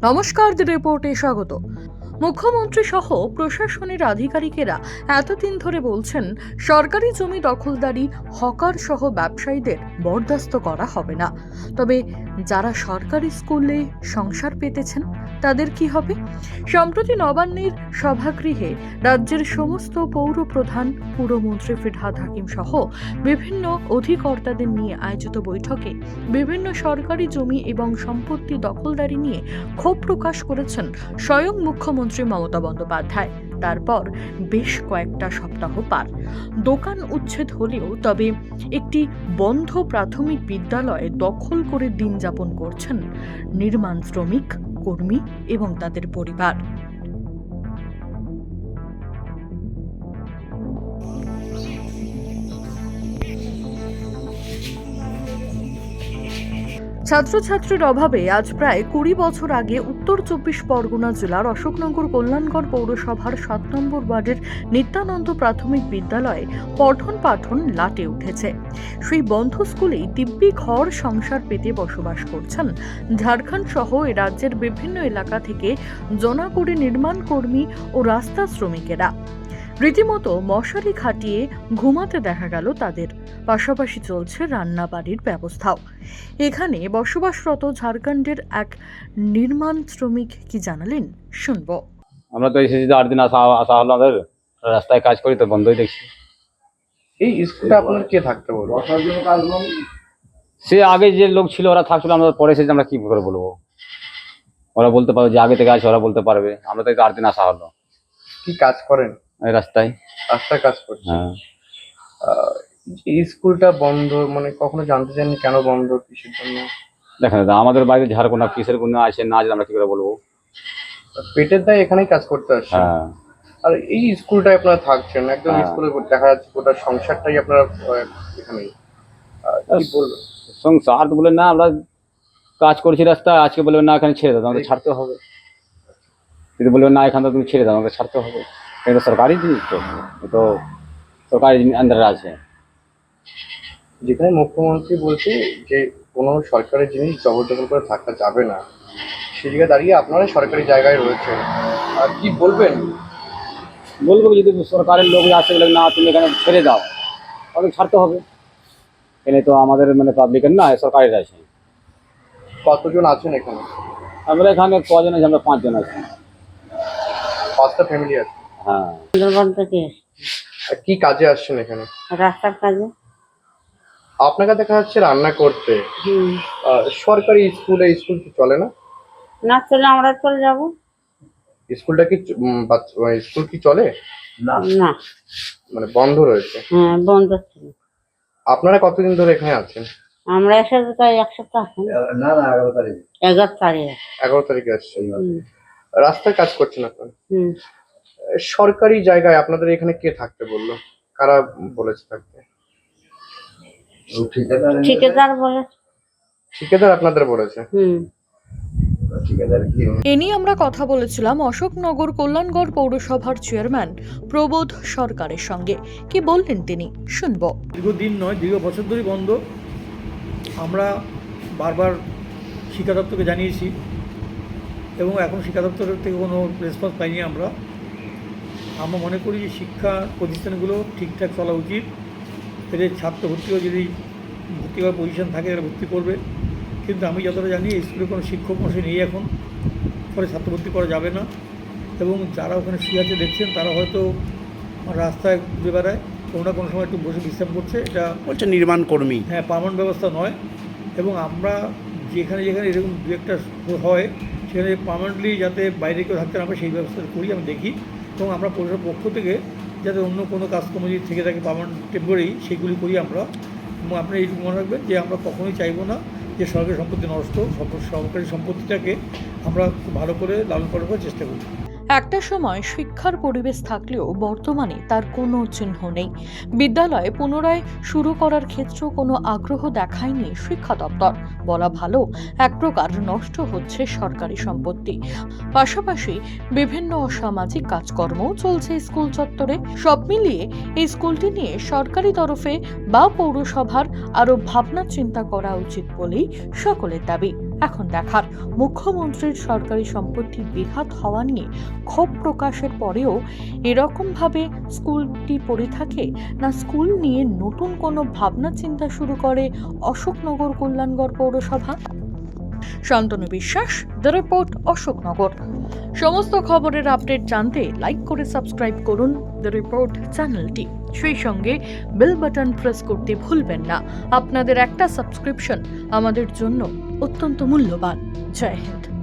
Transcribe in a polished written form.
নমস্কার, দি রিপোর্টে স্বাগত। মুখ্যমন্ত্রী সহ প্রশাসনের আধিকারিকেরা এতদিন ধরে বলছেন সরকারি জমি দখলদারি, হকার সহ ব্যবসায়ীদের বরদাস্ত করা হবে না। তবে যারা সরকারি স্কুলে সংসার পেতেছেন তাদের কি হবে? সম্প্রতি নবান্নের সভাগৃহে রাজ্যের সমস্ত পৌর প্রধান, পুরমন্ত্রী ফিরহাদ হাকিম সহ বিভিন্ন অধিকর্তাদের নিয়ে আয়োজিত বৈঠকে বিভিন্ন সরকারি জমি এবং সম্পত্তি দখলদারি নিয়ে ক্ষোভ প্রকাশ করেছেন স্বয়ং মুখ্যমন্ত্রী মমতা বন্দ্যোপাধ্যায়। তারপর বেশ কয়েকটা সপ্তাহ পার, দোকান উচ্ছেদ হলেও তবে একটি বন্ধ প্রাথমিক বিদ্যালয়ে দখল করে দিন যাপন করছেন নির্মাণ শ্রমিক, কর্মী এবং তাদের পরিবার। ছাত্রছাত্রীর অভাবে আজ প্রায় 20 বছর আগে উত্তর 24 পরগনা জেলার অশোকনগর কল্যাণগড় পৌরসভার 7 নম্বর ওয়ার্ডের নিত্যানন্দ প্রাথমিক বিদ্যালয়ে পঠন পাঠন লাটে উঠেছে। সেই বন্ধ স্কুলেই দিব্যি ঘর সংসার পেতে বসবাস করছেন ঝাড়খণ্ড সহ রাজ্যের বিভিন্ন এলাকা থেকে জোনাকুড়ি নির্মাণ কর্মী ও রাস্তা শ্রমিকেরা। রীতিমতো মশারি খাটিয়ে ঘুমাতে দেখা গেল তাদের, পাশাপাশি চলছে রান্না বাড়ির ব্যবস্থাও। এখানে বসবাসরত ঝাড়খণ্ডের এক নির্মাণ শ্রমিক কি জানালেন, শুনবো। আমরা তো এসেছি 8 দিন আসা হলো, আমাদের রাস্তায় কাজ করি তো বন্ধই দেখছি। এই স্কুলটা আপনার কে থাকতে বলবো? সে আগে যে লোক ছিল ওরা থাকছিল, আমরা পরে এসেছি, আমরা কি করে বলবো? ওরা বলতে পারবে যে আগে থেকে আছে, ওরা বলতে পারবে। আমরা তো 8 দিন আসা হলো। কি কাজ করেন? এই রাস্তায় কাজ করছেন। হ্যাঁ। এই স্কুলটা বন্ধ, মানে কখনো জানতে চাননি কেন বন্ধ, কিসের জন্য? দেখেন দাদা, আমাদের বাইরে ঝাড়খণ্ড কিসের কোনো আছে না আছে আমরা কি করে বলবো? পেটের দায় এখানেই কাজ করতে আসছেন। হ্যাঁ। আর এই স্কুলটায় আপনারা থাকছেন, একদম হ্যাঁ। স্কুলে দেখা যাচ্ছে গোটা সংসারটাই আপনারা এখানেই। কি বলবেন? সংসার তো বলে না, আমরা কাজ করছি রাস্তায়, আজকে বলবে না এখানে ছেড়ে দাও, আমাদের ছাড়তে হবে। যদি বলবে না এখান থেকে তুমি ছেড়ে দাও, আমাকে ছাড়তে হবে। এটা সরকারি জিনিস, তো সরকারি আন্ডারে আছে। যেখানে মুখ্যমন্ত্রী বলছে যে কোনো সরকারি জিনিস জবরদখল করে থাকা যাবে না, সেই জায়গায় দাঁড়িয়ে আপনারা সরকারি জায়গায় রয়েছেন, আর কি বলবেন? বলবো যদি সরকারের লোক আসে বলে না তুমি এখানে ছেড়ে দাও, তাহলে ছাড়তে হবে। এখানে তো আমাদের মানে পাবলিকের না, সরকারের আছে। কতজন আছেন এখানে? আমরা এখানে কজন আছি? আমরা 5 জন আছি। 5টা ফ্যামিলি আছে। হ্যাঁ। সুন্দরবন থেকে আর কি কাজে আসছেন এখানে? রাস্তার কাজে। আপনাকে দেখা যাচ্ছে রান্না করতে। সরকারি স্কুল কি চলে না? না চলে আমরা চলে যাব। স্কুলটা কি স্কুল কি চলে না, মানে বন্ধ রয়েছে? হ্যাঁ বন্ধ ছিল। আপনারা কতদিন ধরে এখানে আছেন? আমরা এসে প্রায় 1 সপ্তাহ এখন। না 11 তারিখ। 11 তারিখ। 11 তারিখে আসছেন। রাস্তায় কাজ করছেন আপনারা। হুম। সরকারি জায়গায় আপনাদের এখানে কে থাকতে বললো? কারা বলেছে থাকতে? ঠিকাদার বলে। ঠিকাদার আপনাদের বলেছে? হুম। এ নিয়ে আমরা কথা বলেছিলাম অশোকনগর কল্যাণগড় পৌরসভার চেয়ারম্যান প্রবোধ সরকারের সঙ্গে। কি বললেন তিনি, শুনবো। দীর্ঘদিন নয়, দীর্ঘ বছর ধরেই বন্ধ। আমরা বারবার শিক্ষা দপ্তরকে জানিয়েছি এবং এখন শিক্ষা দপ্তরের থেকে কোনো রেসপন্স পাইনি। আমরা মনে করি যে শিক্ষা প্রতিষ্ঠানগুলো ঠিকঠাক চলা উচিত। এদের ছাত্র ভর্তিও যদি ভর্তি হওয়ার পজিশন থাকে এরা ভর্তি করবে, কিন্তু আমি যতটা জানি স্কুলে কোনো শিক্ষক মশাই নেই এখন, ফলে ছাত্র ভর্তি করা যাবে না। এবং যারা ওখানে শুয়ে আছে দেখছেন তারা হয়তো রাস্তায় ঘুরে বেড়ায়, কোনো না কোনো সময় একটু বসে বিশ্রাম করছে। এটা বলছে নির্মাণ কর্মী। হ্যাঁ, পার্মানেন্ট ব্যবস্থা নয়। এবং আমরা যেখানে এরকম দু একটা হয় সেখানে পার্মানেন্টলি যাতে বাইরে কেউ থাকতে না পারে সেই ব্যবস্থা করি, আমি দেখি। এবং আমরা পৌরসভার পক্ষ থেকে যাতে অন্য কোনো কাজকর্ম যদি থেকে থাকে পার্মানেন্ট টেম্পোরারি, সেগুলি করি আমরা। এবং আপনি এইটুকু মনে রাখবেন যে আমরা কখনোই চাইবো না যে সরকারি সম্পত্তি নষ্ট। সরকারি সম্পত্তিটাকে আমরা খুব ভালো করে লালন পালন করার চেষ্টা করি। একটা সময় শিক্ষার পরিবেশ থাকলেও বর্তমানে তার কোনো চিহ্ন নেই। বিদ্যালয় পুনরায় শুরু করার ক্ষেত্রেও কোনো আগ্রহ দেখায়নি শিক্ষা দপ্তর। বলা ভালো, এক প্রকার নষ্ট হচ্ছে সরকারি সম্পত্তি। পাশাপাশি বিভিন্ন অসামাজিক কাজকর্মও চলছে স্কুল চত্বরে। সব মিলিয়ে এই স্কুলটি নিয়ে সরকারি তরফে বা পৌরসভার আরও ভাবনা চিন্তা করা উচিত বলেই সকলের দাবি। এখন দেখার মুখ্যমন্ত্রীর সরকারি সম্পত্তি বেহাত হওয়া নিয়ে ক্ষোভ প্রকাশের পরেও এরকমভাবে স্কুলটি পড়ে থাকে, না স্কুল নিয়ে নতুন কোনো ভাবনা চিন্তা শুরু করে অশোকনগর কল্যাণগড় পৌরসভা। শান্তনু বিশ্বাস, দ্য রিপোর্ট, অশোকনগর। সমস্ত খবরের আপডেট জানতে লাইক করে সাবস্ক্রাইব করুন দ্য রিপোর্ট চ্যানেলটি। সেই সঙ্গে বেল বাটন প্রেস করতে ভুলবেন না। আপনাদের একটা সাবস্ক্রিপশন আমাদের জন্য অত্যন্ত মূল্যবান। জয় হিন্দ।